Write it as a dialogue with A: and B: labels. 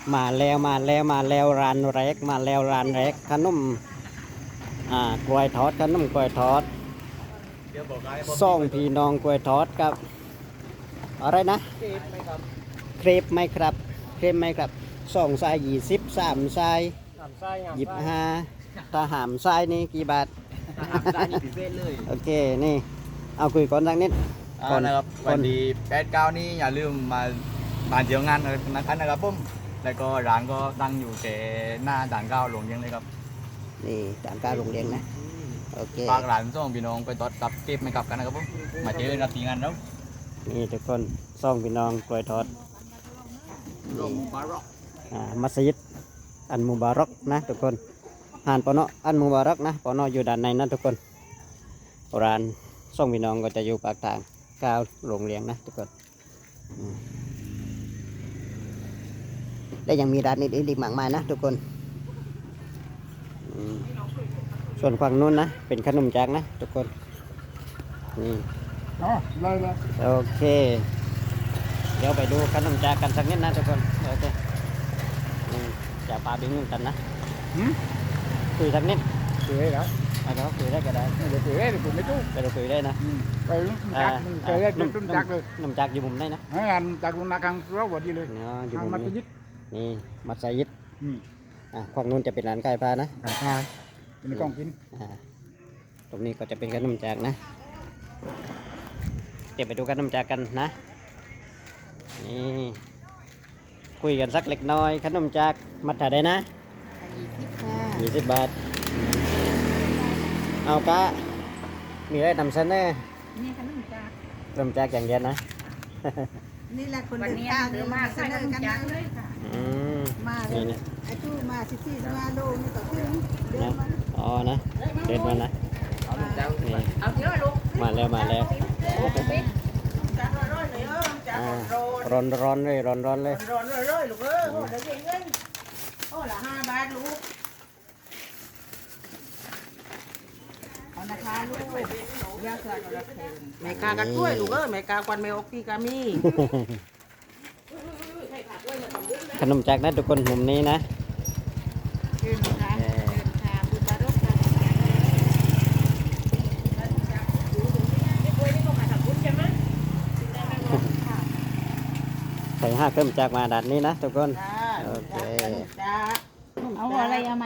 A: มาแล้วร้านแรกมาแล้วร้านแรกขนมกล้วยทอดขนมกล้วยทอดซ่องพี่น้องกล้วยทอดกับอะไรนะเครปไหมครับเครปไหมครับ2 ทราย20 3 ทราย25ถ้าหามทรายนี่กี่บาท
B: ร้านนี้พิเศษเลย
A: โอเคนี่เอาคุยก่อนสักนิดก่อน
B: นะครับวันดี8-9นี่อย่าลืมมาเที่ยวงานนะครับผมแล้วก็ร้านก็ตั้งอยู่แค่หน้าด่านเก้าหลวงเยังเลยครับ
A: นี่ด่านกลางโรงเรียนนะโอเค
B: ฝากร้านส่งพี่น้องไปตอดกับเก็บไม่กลับกันนะครับผมมาเจอกันที่งานแล้ว
A: นี่ทุกคนซ่องพี่น้องกล้วยทอด
B: ลงบาร็อก
A: มัสยิดอันมุบารักนะทุกคนหานปอนออันมุบารักนะปอนออยู่ด้านในนะทุกคนร้านซ่องพี่น้องก็จะอยู่ปากทางก้าวโรงเรียนนะทุกคนและยังมีร้านอื่นๆอีกมากมายนะทุกคนส่วนฝั่งนู้นนะเป็นขนมจากนะทุกคนนี่
C: เลย
A: โอเคเดี๋ยวไปดูขนมจากกันสักนิดนะทุกคนโอเคจะปาบิ้งนุ่งกันนะคุยสักนิด
C: cười đó
A: เอาคุยได้ก็ได้
C: để cười đấy thì cũng mấy chú
A: ไปเราคุยได้นะ
C: cười cười đấy chúng chặt rồi
A: ขนมจากอยู่มุมไหนนะ
C: hãy làm chặt luôn là càng rất vào điเลย
A: เนาะอยู่
C: hàng
A: มุม
C: mặt
A: นี้
C: cái dít
A: นี่มัสยิดฝั่งนู้นจะเป็นร้านไก่พานะ
C: cả hai mình còn kín
A: ตรงนี้ก็จะเป็นขนมจากนะเดี๋ยวไปดูขนมจากกันนะนี่คุยกันสักเล็กน้อยขนมจากมัดถ่ายได้นะ20 บาทเอากะมีอะไรนำเสนอ
D: นี่ขนมจาก
A: ขนมจากอย่างเดียวนะ
E: นี่แหละคน
D: วัน
E: เดิน
D: นี้
E: ทาง
D: หรือมาใส่ขนมจากเลยค่ะ
A: อืม
E: มาเล
A: นี่
E: ย
A: นะ
E: ไอ้ทู่มา14 15 โลนี่ก็ถึงเดินมา
A: อ๋อนะเดินมานะ
B: เอาลูกเจ้า
A: นี่
D: เอาเยอะลูก
A: มาแล้ว
E: จากร้อยเลยจาก
A: ร้อนเลยร้อนเลย
E: ร้อนเลยลูกโอ้เดี๋ยวเงินโอ้ละ5 บาทลูกเอานะคะลูกย่าเสือกับรักเทนแม่กากันกล้วยลูกแม่กาควันแม่อกพี่กามี
A: ขนมจากนะทุกคนมุมนี้นะ
E: เดินค่ะเดินค่ะบุบารกค่ะ
A: ใส่5 เครื่องจากมาดัดนี้นะทุกคน โอเค
E: จ้า
D: เอาอะไรเอามา